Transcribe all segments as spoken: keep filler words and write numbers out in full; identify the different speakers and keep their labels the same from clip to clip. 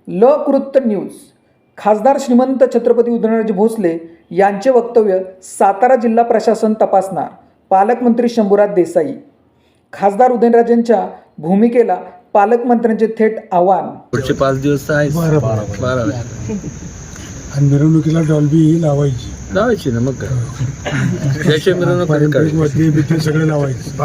Speaker 1: लकृत्त news. खासदार श्रीमंत छत्रपती उदयनराजे भोसले यांचे वक्तव्य सातारा जिल्हा प्रशासन तपासणार. पालकमंत्री शंभूराज देसाई. खासदार उदयनराजेंच्या भूमिकेला पालकमंत्र्यांचे थेट आव्हान.
Speaker 2: पुढचे पाच दिवस आहे बारा
Speaker 3: आणि मिरवणुकीला डॉल्बी लावायची
Speaker 2: लावायची ना, मग काय त्याच्या मिरवणूक
Speaker 3: सगळे लावायचे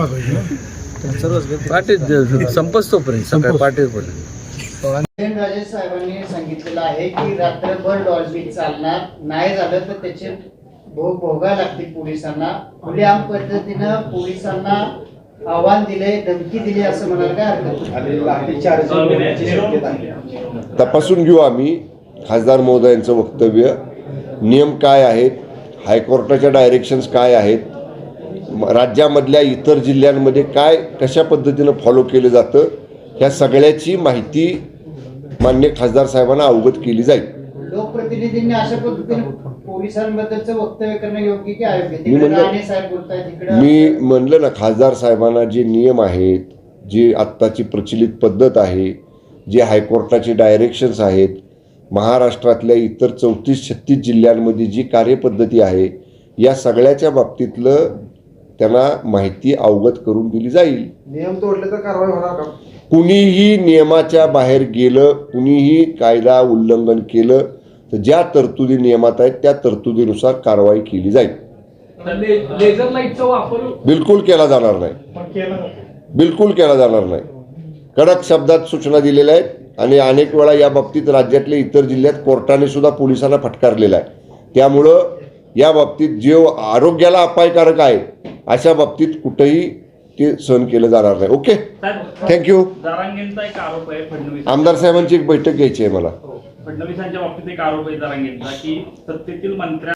Speaker 2: पाठी संपच तोपर्यंत सकाळी पाठीपर्यंत.
Speaker 4: उदयनराजे साहेबांनी सांगितलेलं आहे की रात्रभर डॉल्बी चालणार नाही, झालं तर त्याचे भोग भोगावे लागतील पोलिसांना. खुलेआम पद्धतीनं पोलिसांना आव्हान दिले, धमकी दिली असं म्हणाल काय हरकत नाही?
Speaker 5: तपासून घेऊ आम्ही खासदार महोदयांचं वक्तव्य. नियम काय आहेत, हायकोर्टाच्या डायरेक्शन्स काय आहेत, राज्यामधल्या इतर जिल्ह्यांमध्ये काय कशा पद्धतीनं फॉलो केलं जातं, ह्या सगळ्याची माहिती मान्य खासदार साहेबांना अवगत केली जाईल.
Speaker 4: लोकप्रतिनिधींनी अशा पद्धतीने पोलिसांबद्दलचं वक्तव्य करणं योग्य की अयोग्य?
Speaker 5: मी म्हणलं मी म्हणलं ना, खासदार साहेबांना जे नियम आहेत, जी आत्ताची प्रचलित पद्धत आहे, जे हायकोर्टाचे डायरेक्शन्स आहेत, महाराष्ट्रातल्या इतर चौतीस छत्तीस जिल्ह्यांमध्ये जी कार्यपद्धती आहे, या सगळ्याच्या बाबतीतलं त्यांना माहिती अवगत करून दिली जाईल.
Speaker 4: नियम तोडले तर कारवाई होणार का?
Speaker 5: कुणीही नियमाच्या बाहेर गेलं, कुणीही कायदा उल्लंघन केलं तर ज्या तरतुदी नियमात आहेत त्या तरतुदीनुसार कारवाई केली जाईल.
Speaker 6: लेझर लाईटचा वापर
Speaker 5: बिलकुल केला जाणार नाही, बिलकुल केला जाणार नाही. कडक शब्दात सूचना दिलेल्या आहेत आणि अनेक वेळा या बाबतीत राज्यातल्या इतर जिल्ह्यात कोर्टाने सुद्धा पोलिसांना फटकारलेला आहे. त्यामुळं या बाबतीत जे आरोग्याला अपायकारक आहे अशा बाबतीत कुठेही ते सहन केलं जाणार नाही. Okay, thank you.
Speaker 6: जरांगेंचा एक आरोप आहे फडणवीस
Speaker 5: आमदार साहेबांची एक बैठक घ्यायची आहे मला.
Speaker 6: फडणवीसांच्या बाबतीत एक आरोप आहे जरांगेंचा की सत्तेतील मंत्र्या